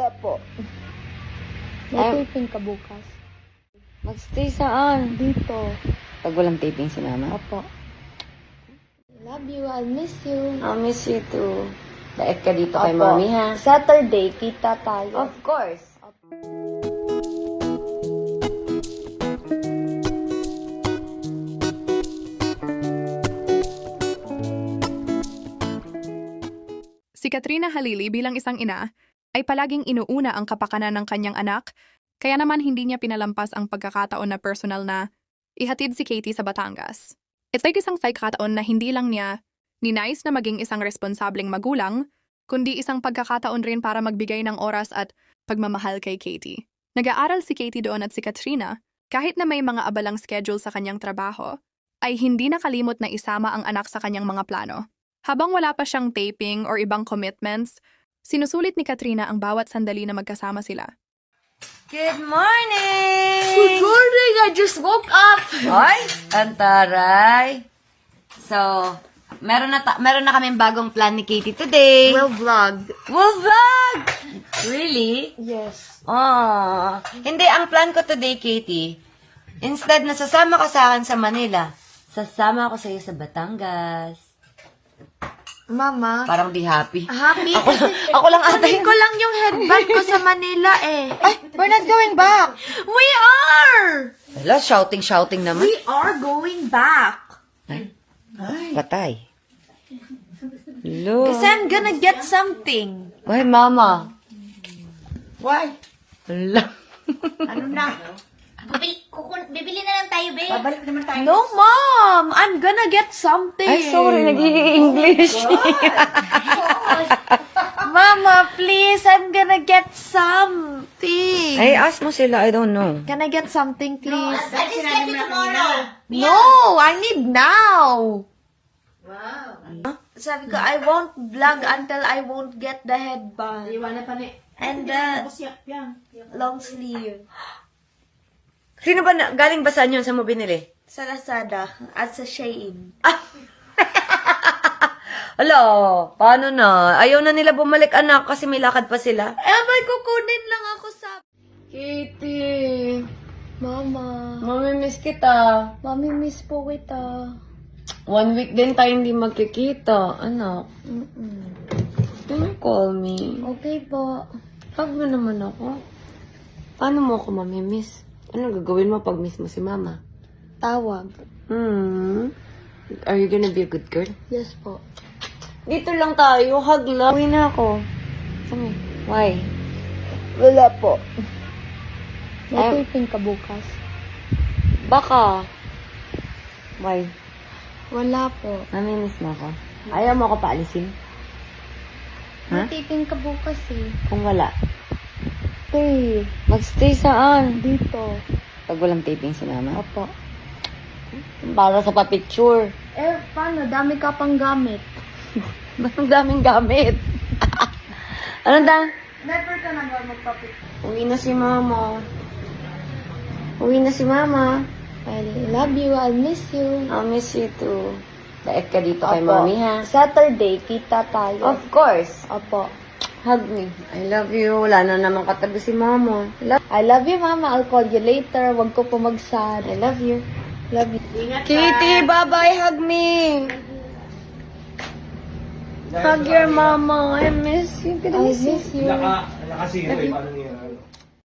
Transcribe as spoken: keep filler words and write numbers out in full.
Wala po. May taping ka bukas. Magstay saan? Dito. Pag walang taping si mama? Opo. Love you. I'll miss you. I'll miss you too. Daet ka dito kay Opo. mami ha? Saturday, kita tayo. Of course. Si Katrina Halili bilang isang ina ay palaging inuuna ang kapakanan ng kanyang anak, kaya naman hindi niya pinalampas ang pagkakataon na personal na ihatid si Katie sa Batangas. It's like isang pagkakataon na hindi lang niya ninais na maging isang responsableng magulang, kundi isang pagkakataon rin para magbigay ng oras at pagmamahal kay Katie. Nag-aaral si Katie doon at si Katrina, kahit na may mga abalang schedule sa kanyang trabaho, ay hindi nakalimot na isama ang anak sa kanyang mga plano. Habang wala pa siyang taping or ibang commitments, sinusulit ni Katrina ang bawat sandali na magkasama sila. Good morning! Good morning! I just woke up! Hoy, antaray! So, meron na, ta- meron na kaming bagong plan ni Katie today. We'll vlog. We'll vlog! Really? Yes. Oh, hindi, ang plan ko today, Katie, instead na sasama ka sa akin sa Manila, sasama ako sa iyo sa Batangas. Mama. Parang di happy. Happy? Ako, ako lang ata Kunin ko lang yung headband ko sa Manila eh. Ay, we're not going back. We are! Wala, shouting-shouting naman. We are going back. Ay, patay. Hello. Kasi I'm gonna get something. Why, mama? Why? Hello. Ano na? Bibili, kukun, bibili na lang tayo, babe. Babalik naman tayo. No, Mom! I'm gonna get something. Ay, sorry, nag-i-English. Mama, please, I'm gonna get something. Ay, ask mo sila, I don't know. Can I get something, please? I just get it tomorrow. No, I need now. Wow. Sabi ko, I won't vlog until I won't get the headband. And the long sleeve. Sino ba, na, galing ba saan yun? Saan mo binili? Sa Lazada at sa Shein. Hala, paano na? Ayaw na nila bumalik, anak, kasi may lakad pa sila. Eh, may kukunin lang ako sa... Kitty, Mama, Mamimiss kita. Mami miss po kita. One week din tayo hindi magkikita, anak. Mm-mm. Can you call me? Okay po. Hug mo naman ako. Paano mo ako mamimiss? Ano gagawin mo pag miss mo si mama? Tawag. Hmm. Are you gonna be a good girl? Yes po. Dito lang tayo, hug lang. Uwi na ako. Kami. Why? Wala po. May Ay- taping ka bukas. Baka. Why? Wala po. Namimiss mo ako. Ayaw mo ako paalisin? May Ha? taping ka bukas eh. Kung wala. Stay. Magstay saan? Dito. Pag walang taping si mama. Opo. Para sa pa-picture. Eh, paano? Dami ka pang gamit. Ang daming gamit. Ano da? Never ka na ba magpapicture? Uwi na si mama. Uwi na si mama. I love you. I'll miss you. I'll miss you too. Daet ka dito kay Opo. mami ha? Saturday, kita tayo. Of course. Opo. Hug me. I love you. Wala na naman katabi si mama. Love, I love you, Mama. I'll call you later. Huwag ko pumagsad. I love you. Love you. Kitty, bye-bye. Hug me. Hug your mama. I miss you. I miss you. Naka, nakasiro eh, paano niya?